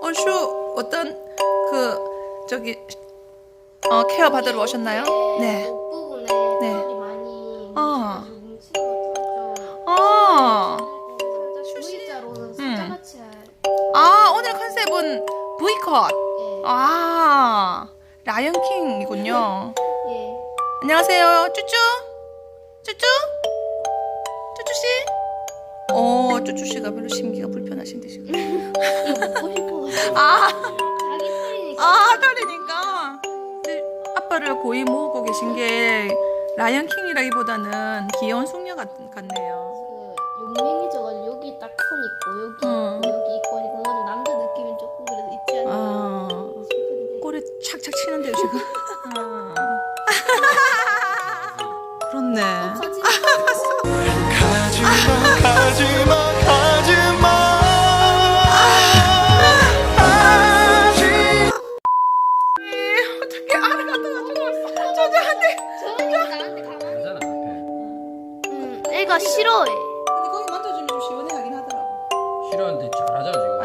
얼슈 어떤 그 저기 케어 받으러 오셨나요? 네. 목 부분에 네. 털이 많이 어. 뭉친 것 같죠. 어. V자로는 숫자같이 할. 아, 오늘 컨셉은 V컷. 예. 아, 라이언킹이군요. 예. 안녕하세요. 쭈쭈? 쭈쭈? 쭈쭈씨? 쭈쭈씨가 별로 심기가 불편하신데 지금. 이거 먹고 싶어가지고. 아, 자기 털이니까. 털이니까. 근데 아빠를 고이 모으고 계신 게 라이언킹이라기보다는 귀여운 숙녀 같네요. 그 용맹해져가지고 여기 딱 선 있고 여기 어. 있고 여기 있고 하니까 뭔가 좀 남자 느낌이 조금 그래서 있지 않나 아, 싶은데. 꼬리 착착 치는데요 지금. 그렇네. 하지만 가지마 가지마 가지마 어떻게 알을 갖다가 죽었어? 저한테. 저는 나한테 가만히. 괜찮아 앞에 애가 싫어해. 근데 거기 만져주면 좀 시원해 하긴 하더라고. 싫어하는데 잘하잖아 지금.